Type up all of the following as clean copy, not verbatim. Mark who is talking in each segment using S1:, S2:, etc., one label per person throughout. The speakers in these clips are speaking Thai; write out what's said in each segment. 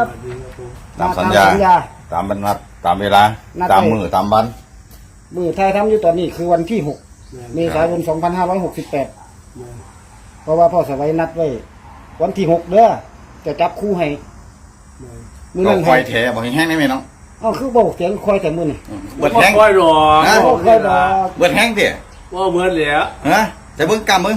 S1: ตามสัญญาตามบรรทัดตามเวลาตามมือตามวัน
S2: มือไทยทำอยู่ตอนนี้คือวันที่6 เมษายน 2568เพราะว่าพ่อสวัยนัดไว้วันที่6เด้อจะจับคู่ให้มือนั่น
S1: คอยแถบอกแห้งได้ไหมน้อง
S2: อ้าวคือบอกเสียงคอยแต่มือนี่
S1: เบิดแห้ง
S3: ค่อยรอ
S2: คอยดอก
S1: เบิดแห้งเถี่ย
S3: ว่าเหมือนเหลีย
S1: ฮะจะเบิ้งกำมึง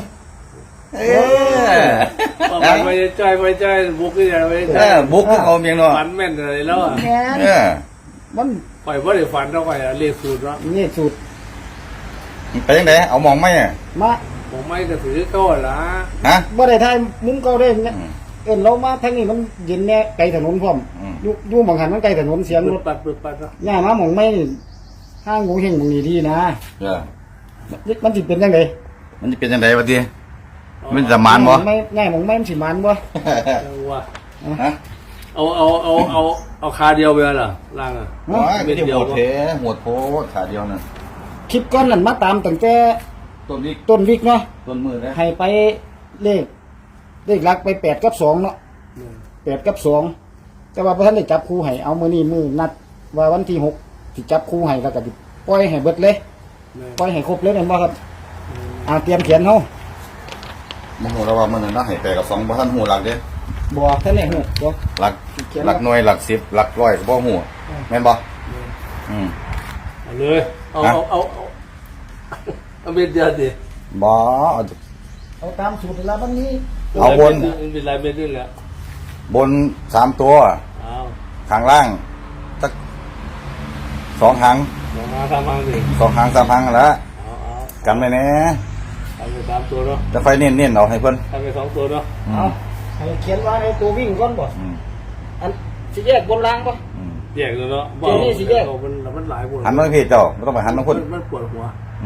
S3: มันไม่ใจไม่ใจบุกที่ไหนไม่ใจ
S1: บุกเอาเมียงเนาะ
S3: ฝันแม่นอะไรแล้วอ่ะ
S2: แง่มัน
S3: ปล่อยว่าได้ฝันเท่าไหร่เรียกสูตรแล้ว
S2: นี่สูตร
S1: ไปยังไงเอามองไหมอ่ะ
S2: มา
S3: ผมไม่กระถือก็ละ
S1: ฮะ
S2: บ่ได้ทายมุ้งเก่าได้เนี่ยเอิ้นเรามาทางนี้มันเย็นแน่ไกลถนนพร้อมอยู่หม่องหันมันไกลถนนเสียงรถ
S3: ปัดเนาะ
S2: ย่ามาหม่องไม่ห้างงูเฮงหม่องนี้ดีนะ มันสิเป็นจังได๋
S1: มันจะเป็นยังไงวะทีมันจะมานบ่
S2: ไม่ง่ายหม่องไม่มันสิมันบ่
S3: ว่า
S1: ฮะ
S3: เอาคาเดียวไปล่ะล่างอ่ะ
S1: ไม่ได้หัวเทหัวโพขาเดียวน่ะ
S2: คลิปก่อนนั้นมาตามตั้งแต่
S1: ต้นนี้
S2: ต้นวิกเนาะ
S1: ต้นมือนะ
S2: ให้ไปเลขหลักไป8กับ2เนาะ8กับ2แต่ว่าบ่ทันได้จับคู่ให้เอามื้อนี้มื้อนัดว่าวันที่6สิจับคู่ให้แล้วก็สิปล่อยให้เบิดเลยปล่อยให้ครบเลยแม่นบ่ครับเตรียมเขียนเฮา
S1: มึงหัวเราว่ามันน่าให้แปลกับ2บ่ทันหูหลักเด้
S2: บ่ทันได้ฮู้บ่
S1: หลักหน่วยหลัก10หลักร้อยก็บ่หูแม่นบ่
S3: เลยเอาเม็ดเดียวดิ
S1: บ่
S2: เอาตามสูตรแล้ววันนี้
S1: เอาบน
S3: เป็นลายเม็ดนี่แหละ
S1: บน3ตัว
S3: อ้าว
S1: ข้างล่างสัก2หาง
S3: มาทำมาสิ
S1: 2หาง3หางแล้ว
S3: เอา
S1: กันไว้แน่
S3: ทำไป3ตัวเนาะ
S1: จะไฟเน้นๆเอาให้เพิ่น
S3: ทำไป2ตัวเนาะ
S2: เอาให้เขียนว่าให้ตัววิ่งก่อนบ่อันสิแยกบนล่างบ่
S3: แยกเลยเนาะมันหลายคน
S1: หันมาพี่เจ้าบ่ต้องไปหันมาคน
S3: มันปวดหัว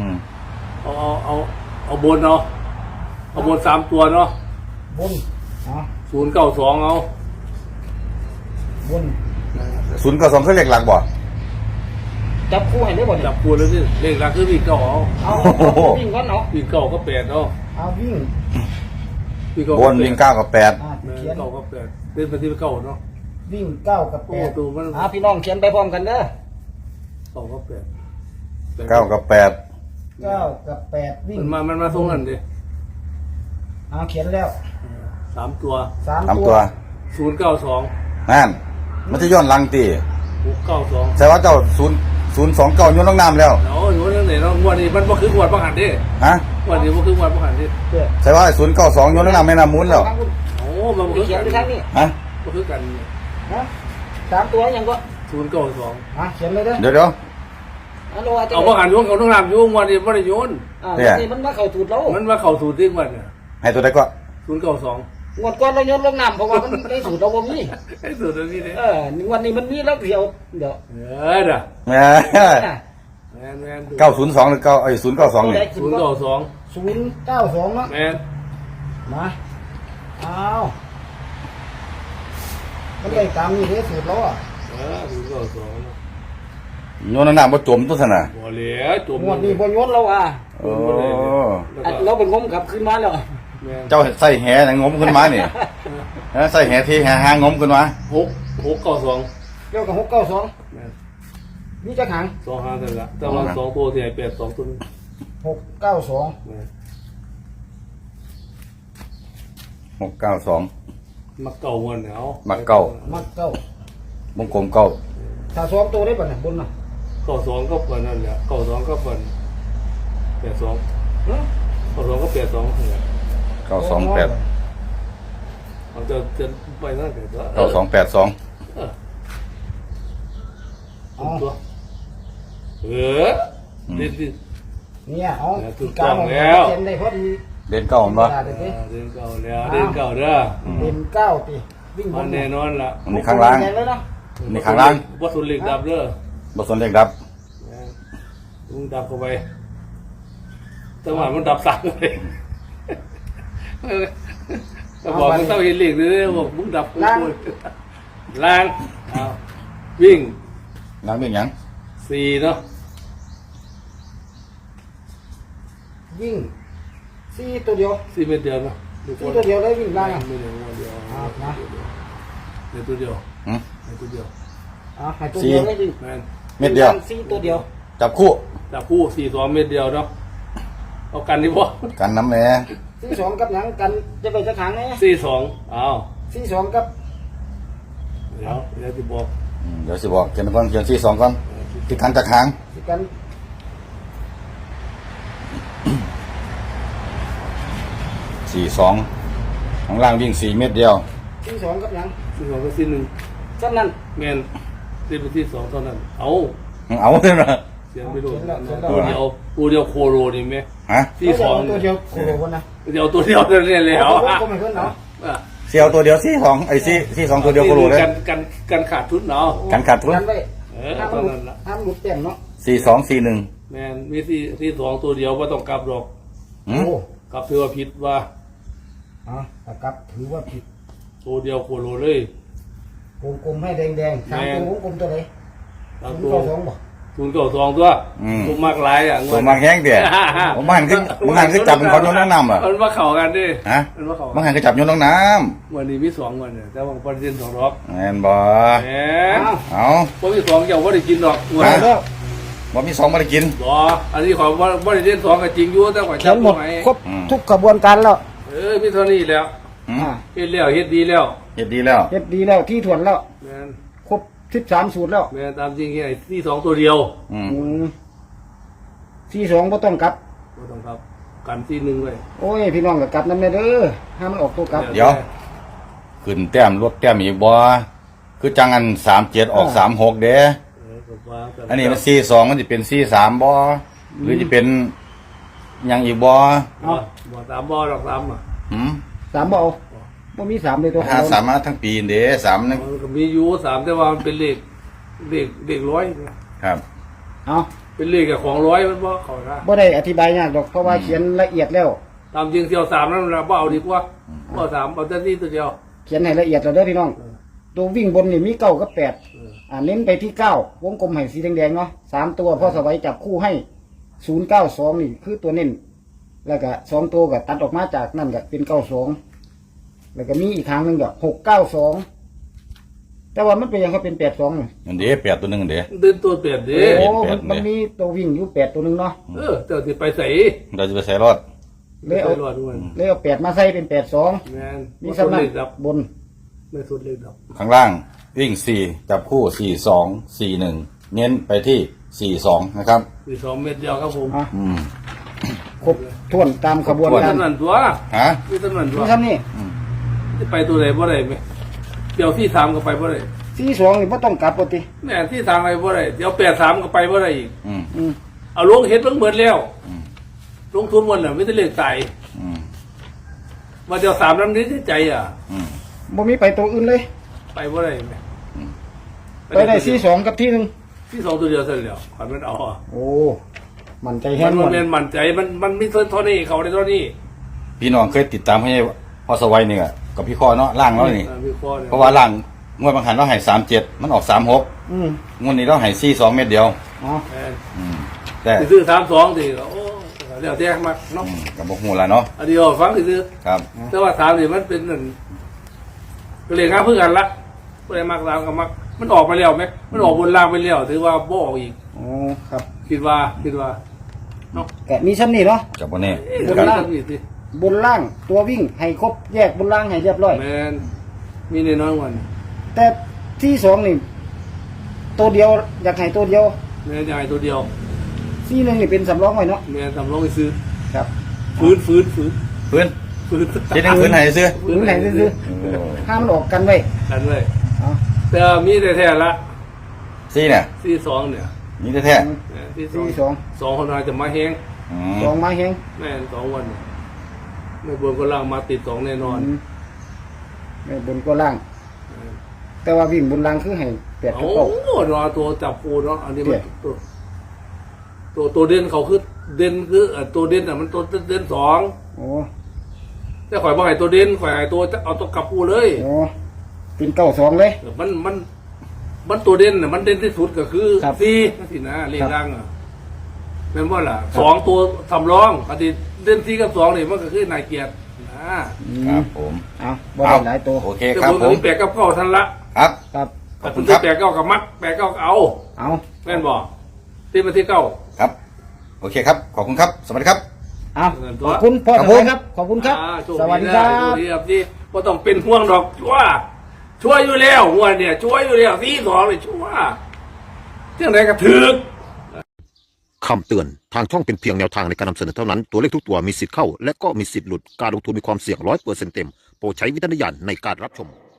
S3: เอาบนเนาะเอาบน3ตัวเนาะ
S2: บนอ๋อ
S3: 092เอา
S2: บน
S1: 092คือเลขหลักบ่
S2: จับคู่ให้ได้บ่เนี่ย
S3: จับปูแล้วสิเลขหลักคือวิ่งเก่าเอา
S2: เอาวิ่งก่อนเนาะ
S3: วิ่งเก่าก็8เนาะ
S2: เอาวิ่ง
S1: บนวิ่ง9กับ8
S2: เขียน
S3: เก่าก็8เป็นไปที่เก่าเนาะ
S2: วิ่ง9กับ
S3: โอ้ตัวมัน
S2: 8พี่น้องเขียนไปพร้อมกันเด้อ
S3: เก่าก็8
S1: 9กับ8
S2: 9กับ8วิ่ง
S3: มันมาตรงนั้นดิ
S2: เขียนแล้ว
S3: 3ตัว
S2: 3 ตัว
S3: 092
S1: นั่นมันจะย้อนหลังติ
S3: 692
S1: ใช่ว่าเจ้า029โยนลงน้ำแล้ว
S3: เนาะอยู่นั่นไหนเนาะวันนี้มันบ่คืองวดบ่หันดิ
S1: ฮะ
S3: วันนี้บ่คืองวดบ่หันดิ
S1: ใช่ว่า092โยนลงน้ำแม่น้ำมูลแล้ว
S3: โอ้มันบ่คือ
S2: เขีย
S3: กัน น
S2: ไปทางนี้
S1: ฮะ
S3: บ่คือกัน
S2: นะ3ตัวยังก็
S3: 092
S2: เขียนเลยเด้อ
S1: เดี๋ยว
S3: เอาบ่หันโยนเขาต้องนำโยนวันนี้บ่ได้โยน
S2: นี่มันมาเข้าสูตรเรา
S3: มันมาเข้าสู่ที่วันน่ะ
S1: ให้ตัวใดก็
S3: 092
S2: งวดก่อนเราโยนลงน้ำเพราะว่ามันได้สูตรเราบ่มี
S3: ไอ้สูตรนี้เด้
S2: วันนี้มันมีแล้วเดี๋ยว
S3: เด้อ
S1: แม่
S3: แม่น
S1: 902หรือ9092นี่
S3: 092
S2: 092เนาะ
S3: แม่น
S2: มาเอามันได้ตามนี้เด้สูตรเราอ่ะ
S3: 092
S1: โยนลงน้ำบ่จมตัวซั่นน่ะ
S3: บ่เหลือจม
S2: งวดนี้บ่โยนเราอ่ะ
S1: โอ้
S2: เราเป็นงมกลับขึ้นมาแล้ว
S1: เจ้าใส่แหน่งมขึ้นมานี่ใส่แหที่หางมขึ้นมา
S3: 692
S2: เกี่ยวกับ692
S3: แม่น
S2: นี่จะขัง
S3: 2 5นั่นล่ะแต่ว่า2ตัวที่ให้82ตัวนึง
S2: 692
S3: แม่น
S1: 692
S3: มักเก่าวันเนี่ยเอา
S1: มักเก่า
S2: มักเก้าว
S1: งกลมเก่า
S2: ถ้าซ้อมตัวได้ป่ะเนี่ยบนน่ะ
S3: 92ก็เปิดนั่นแหละ92ก็เปิด82 92ก็82นั่นแหละ
S1: 928
S3: เอาจะไปนั่นเถอะ
S1: 9282
S3: ตัวดิ
S2: เนี่ยเอา
S3: ถูกต้องแล้ว
S2: เขียนได้พอดี
S1: เด่นเก่าบ่
S3: เดินเก่าแล้วเดินเก่าเด้อ
S2: เด่นเก้าตีวิ่งบ
S3: มัน
S2: น
S3: แน่นอนล่ะ
S1: อันนี้ข้างล่าง
S2: เลยเนาะ
S1: นี่ข้างล่าง
S3: วัตถุเหล็กดับเด้อ
S1: บ่สนเลขดับ
S3: มึงดับเข้าไปจังหวะมันดับสั่งเลยก็บอกมึงต้องเห็นเหล็กเลยบอกมึงดับกูล้างเอาวิ่ง
S1: ล้างเป็นหยัง
S3: 4เนาะ
S2: วิ่ง4ตัวเดียว
S3: 4 เมตรเดียวเนาะ
S2: 4ตัวเดียวได้วิ่งล่าง
S3: ไม่เดียวเดียว
S2: นะ
S3: ในตัวเดียว
S1: หืม
S3: ในตัวเดียว
S2: เอาให้ตัวเดียวเลยดิ
S3: แม่น
S1: เม็ดเดียว
S2: สี่ตัวเดียว
S1: จับคู่
S3: จับคู่4-2เม็ดเดียวเนาะเอากันดีบ่
S1: กันน้ำแหน่
S2: 42กับหยังกันจะไปจะขังไง
S3: 4-2อ้าว
S2: 42กับ
S3: เดี๋ยวจะบอก
S1: เดี๋ยวสิบอกเขียนก่อนเขียนที่สองก่อนที่ขังจากหาง
S2: สิกัน
S1: 42ข้างล่างวิ่ง4 เม็ดเดียว
S2: 42กับหยัง
S3: 4-2กับ4-1
S2: จำนั้น
S3: แม่นตีเป็น4-2เท่านั้นเอา
S1: เอาเลยนะ
S3: เสียงไม่รู้
S2: เขียนแล้ว
S3: ตัวเดียวโคโรนี่ไหม
S1: ฮะ
S3: 4-2
S2: ตัวเดียวโคโลนะ
S3: เดี๋ยวตัวเดียวเนี่ยเลยเหรอ
S2: ก็ไม่เพิ่นเนาะ
S1: เสียวตัวเดียว42ไอ้42ตัวเดียวก็รู้เลย
S3: กันขาดทุนเนาะ
S1: กันขาดทุน
S2: กันไว้
S3: ต
S2: ห้า
S3: อน
S2: มหลุ
S3: นั้
S2: ด
S3: นละ
S2: ห้ามหลุดเต็มเนาะ
S1: 4241
S3: แมนมี4-2ตัวเดียวว่าต้องกลับหรอก
S1: หืม
S2: โอ้
S3: กลับถือว่าผิดว่า
S2: แต่กลับถือว่าผิด
S3: ตัวเดียวโคโรเลย
S2: วงกลมให้แดงๆสามตัววงกลมตัวไหน
S3: ตาม
S2: ศูน
S3: ตั
S2: ย์
S3: ว
S2: เก้าสองบ่
S3: 0-2ตัวตัวมากหลายอ่ะ
S1: ตัวมากแห้งเดี๋ยวผมหันคือจับเป็นคนโยนน้ำเหรอ
S3: มันมาเข่ากันดิ
S1: ฮะ
S3: มันมาเข่า
S1: มันหันคือจับโยนน้
S3: วันนี้มี2วันเนี่ยแต่ว่าประเด็น2รอบ
S1: ำแม่นบ่
S3: แหม
S2: อ้าว
S1: เอา
S3: พวกที่2เจ้าว่าได้กินหรอก
S2: หมดแล้ว
S1: บ่มี2มาได้กิน
S3: บ่อันนี้ขอว่าได้เล่น2ก็จริงอยู่แต่ขอ
S2: เขี
S3: จั
S2: ย
S3: บ
S2: นหมด
S3: ไหม
S2: ครบ
S1: อืม
S2: ทุกกระบวนการแล้ว
S3: มีเท่านี้แล้ว
S1: หืม
S3: เฮ็ดแล้วเฮ็ดดีแล้ว
S1: เฮ็ดดีแล้ว
S2: เฮ็ดดีแล้วที่ถ่วนแล้ว
S3: แม่น
S2: ครบ13สูตรแล้ว
S3: แม่นตามจริงแค่ที่2ตัวเดียว
S1: อืม
S2: 42บ่ต้องกลับ
S3: บ่ต้องครับกันที่1ไว้
S2: โอ้ยพี่น้องก็กลับนำแม่เด้อห้ามมันออกตัวกลับ
S1: เดี๋ยว ขึ้นแต้มลดแต้มอีกบ่คือจังอัน37ออก36เด้
S3: ก็ว่ากั
S1: อันนี้มัน42มันสิเป็น43บ่หรือจะเป็นหยังอีกบ่
S3: บ่ตามบ่ดอกตามอ่ะ
S1: หืม
S2: 3บ่เอาบ่มี3เลยตัว
S1: หาสามารถทั้งปีเด้3นึง
S3: มันก็มีอยู่3แต่ว่ามันเป็นเลขร้อยนะครับ
S2: เอา
S3: เป็นเลขกับของร้อยมันบ่เข้านะ
S2: บ่ได้อธิบายยากดอกเพราะว่าเขียนละเอียดแล้ว
S3: ตามจริงเที่ยว3นั้นเราบ่เอาดีกว่าบ่3เอาแต่ที่ตัวเดียว
S2: เขียนให้ละเอียดแล้วเด้อพี่น้อง ตัววิ่งบนนี่มี9กับ8เน้นไปที่9วงกลมให้สีแดงๆเนาะ3ตัวพ่อสวัยจับคู่ให้092นี่คือตัวเน้นแล้วก็2ตัวก็ตัดออกมาจากนั่นก็เป็น92แล้วก็มีอีกครั้งหนึงก็692แต่ว่ามันเป็นยังเขาเป็น82นี่
S1: อันเด้8ตัวหนึงอันเด้
S3: เดินตัวเปลี่ยนดิ
S2: โอ้
S1: แปด
S2: มันมีตัววิ่งอยู่8ตัวหนึงเนาะ
S3: เจ้าสิไปใส่
S1: เราจะไปใส่รอด
S2: เลย
S3: ไป
S2: เอา
S3: รอดด้วย
S2: เลยเอา8มาใส่เป็น82
S3: แม่น
S2: มี
S3: มี
S2: สำนั
S3: เล
S2: ก
S3: ขดับบ
S2: น
S3: ไม่สุดเลขดับ
S1: ข้างล่างวิ่ง4จับคู่42 41เน้นไปที่42นะครับ
S3: คือ2เม็ดเดียวครับผม
S2: อ่ะ
S1: อืม
S2: ครบถ้วนตามขบวน
S1: ครบถ้
S2: การ
S3: เท่านั้นตัว
S1: ฮะ
S3: มีเท่านั้นตัว
S2: นี่ครับนี่
S3: จะไปตัวไหนบ่ได้ไหมเดี๋ยวที่3ก็ไปบ่ได้
S2: 42นี่บ่ต้องกลับปกติ
S3: แม่ที่3ไปบ่ได้เดี๋ยว83ก็ไปบ่ได้อีก
S1: อืม
S2: อืม
S3: เอาลงเฮ็ดเบิ่งเบิดแล้วลงทุนหมดน่ะไม่ได้เลขตาย
S1: อืม
S3: ว่าเดี๋ยว3นำนี้ใจอ่ะ
S1: อืม
S2: บ่มีไปตัวอื่นเลย
S3: ไปบ่ได้ไหม
S2: ไปได้42กับที่หนึง
S3: ที่2ตัวเดียวเสร็จแล้วขวัญมันเอาอ่ะ
S2: โอ้มันใจ
S3: มั
S2: แห้
S3: น
S2: งหมด
S3: แม่นมั่นใจมันมีเท่านี้เขาได้เท่านี้
S1: พี่น้องเคยติดตามให้พอสวัยนี่กับพี่ข้อเนาะล่างเนาะนี่
S3: มีข้อเนี่ย
S1: เพราะว่าล่างงวดบางหันเราให้37มันออก36
S2: อืม
S1: งวดนี้เราให้42เม็ดเดียว
S2: อ๋อ
S3: แม่น
S1: อืมแต่
S3: สิซื้อ32สิโอ้เดี๋ยวแท้มาเนาะ
S1: กับบ่ฮู้ล่ะเนาะ
S3: อันเดียวฟังสิซื้อ
S1: ครับ
S3: แต่ว่า3นี่มันเป็นนั่นก็เลยงานเพื่อกันละบ่ได้มัก3กับมักมันออกไปแล้วไหมมันออกบนล่างไปแล้วถือว่าบ่ออกอีก
S2: โอ้ครับ
S3: คิดว่าเนาะ
S2: แกะมีชั้นนี่เนาะ
S1: กับบ่แน่
S3: บนล่างนี่สิ
S2: บนล่างตัววิ่งให้ครบแยกบนล่างให้เรียบร้อย
S3: แม่นมีแน่นอนวัน
S2: แต่ที่2นี่ตัวเดียวอยากให้ตัวเดียว
S3: แม่นจะให้ตัวเดียว
S2: ที่หนึงนี่เป็นสำรองไว้เนาะ
S3: แม่นทำลองไปซื้อ
S2: ครับ
S3: ฟื้น
S1: เพิ่นสิได้คืนให้ซื้อ
S2: หรือไหนซื้อๆห้ามมันออกกันไว้
S3: กันเลย
S2: อ๋อ
S3: แต่มีแต่แท้ละ
S1: ซี่เนี่ย
S3: ที่2เนี่ย
S1: มีแท้
S3: ที่
S2: ที่
S3: 2 2คนอาจจะมาแฮง
S1: ๆอืม
S2: 2 2มาแฮง
S3: แม่น2วันเนี่ยไม่บนก็ล่างมาติด2แน่นอน
S2: ไม่บนก็ล่าง แต่ว่าวิ่งบนล่างคือให้8กับ
S3: โอ้
S2: 9
S3: รอตัวจับปูเนาะอันนี้มันตัวเด่นเขาคือเด่นคือตัวเด่นอ่ะมันตัวเด่น2
S2: โอ้
S3: แต่ข่อยบ่ให้ตัวเด่นข่อยให้ตัวเอาตัวกลับปูเลย
S2: โอ้เป็น92เลย
S3: มันตัวเด่นน่ะมันเด่นที่สุดก็คือ
S2: ครับ
S3: 4นั่นสินะเลขล่างอ่ะแม่นบ่ล่ะ2ตัวสำรองอันนี้เด่น4กับ2นี่มันก็คือนายเกียรตินะ
S1: ครับผม
S2: เอาบ่ได้หลายตัว
S1: โอเค
S3: แต่
S1: ครับ
S3: ผม
S1: ผม
S3: มี8กับ9ทันละ
S1: ครับ
S2: ครับ
S1: ขอบคุ
S3: คุณ
S1: ณครับ
S3: แปดเก้ากับมักแปดเก้าเอา
S2: เอา
S3: แม่นบอกที่มาที่เก้า
S1: ครับ โอเคครับ ขอบคุณครับ สวัสดีครับ
S2: เอาขอบคุณพ่อ
S1: ครับ
S2: ท
S1: ผม
S2: นายครับ ขอบคุณครับ
S3: โชค
S2: สวัสดี
S3: นะครับ โชคดีครับที่ก็ต้องเป็นห่วงดอกช่วยอยู่แล้วหัวเนี่ยช่วยอยู่แล้วที่สองเลยช่วยเรื่องไหนก็ถึก
S4: คำเตือน ทางช่องเป็นเพียงแนวทางในการนำเสนอเท่านั้น ตัวเลขทุกตัวมีสิทธิ์เข้า และก็มีสิทธิ์หลุด การลงทุนมีความเสี่ยง100%เต็ม โปรดใช้วิจารณญาณในการรับชม